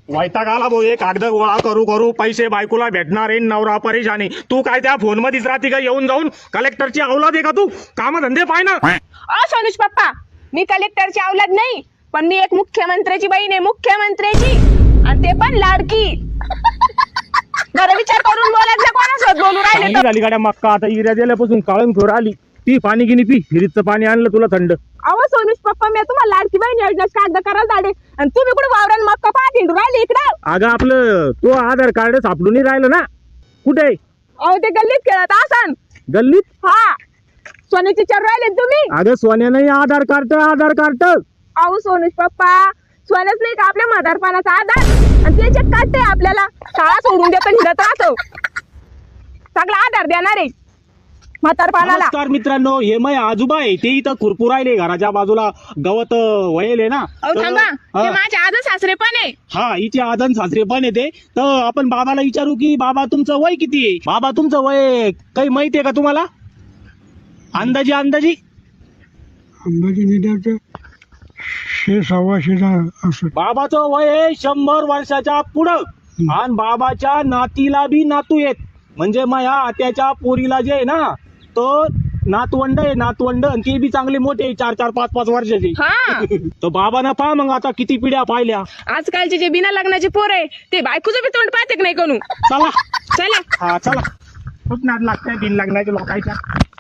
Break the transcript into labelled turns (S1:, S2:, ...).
S1: वैताग आला भाऊ, एक कागद गोळा करू करू पैसे बायकोला भेटणार आहे, नवरा परेशानी. तू काय त्या फोन मध्येच राहते का? येऊन जाऊन कलेक्टरची औलाद आहे का तू? काम धंदे पाय ना.
S2: सोनुष पप्पा, मी कलेक्टरची औलाद नाही, पण मी एक मुख्यमंत्र्याची बहीण आहे, मुख्यमंत्र्याची, आणि ते पण लाडकी. जरा विचार करून बोलायचं, कोणासोबत बोलू राहिले तर.
S1: झाली गाड्या मक्का आता इऱ्या दिल्यापासून काळून खोर आली. पी पाणी गिनी पी, फ्रीजचं पाणी आणलं तुला थंड.
S2: अहो सोनुष पप्पा, मी तुम्हाला लाडकी बहीण योजनेच कागद करायला धाडे, आणि तुम्ही कुठे वावरान मक्का पाहत हिंडू राहिले इकडं.
S1: अगं आपलं तो आधार कार्ड सापडून नाही राहिलं ना. कुठे?
S2: अहो ते गल्लीत खेळत असन.
S1: गल्लीत?
S2: हा, सोन्याची चर राहिले तुम्ही.
S1: अगं सोन्या नाही, आधार कार्ड आधार कार्ड.
S2: अहो सोनुष पप्पा, सोन्याच नाही का आपल्या म्हातारपणाचा आधार, आणि ते चेक काढते आपल्याला. शाळा सोडून देतो, हिंडत राहतो, सगळा आधार देणार आहे म्हातारपणाला.
S1: नमस्कार मित्रांनो, हे मै आजोबा आहे, ते इथं खुरपूर राहिले घराच्या बाजूला, गवत वळेले ना.
S2: अहो थांबा,
S1: हा.
S2: ते माझे आजच सासरे पण आहे.
S1: हा, हिचे आदन सासरे पण येते. तर आपण बाबाला विचारू की बाबा तुमचं वय किती आहे? बाबा तुमचं वय काही माहितीये का तुम्हाला? अंदाजी
S3: अंदाजे निदाचं 600-650 असं.
S1: बाबाचं वय आहे 100 वर्षाच्या पुढं. आणि बाबाच्या नातीला बी नातू येत, म्हणजे माझ्या आत्याच्या पोरीला जे आहे ना, तो नातवंड आहे, नातवंड, आणि ते बी चांगले मोठे 4-4, 5-5 वर्षाचे.
S2: हा.
S1: तर बाबांना पहा मग आता किती पिढ्या पाहिल्या.
S2: आजकालचे जे बिना लग्नाचे पोर आहे, ते बायकोचं बी तोंड पाहते की नाही कोणू.
S1: चला
S2: चला.
S1: हा चला, खूप नाद लागतंय बिन लग्नाच्या लोकांच्या.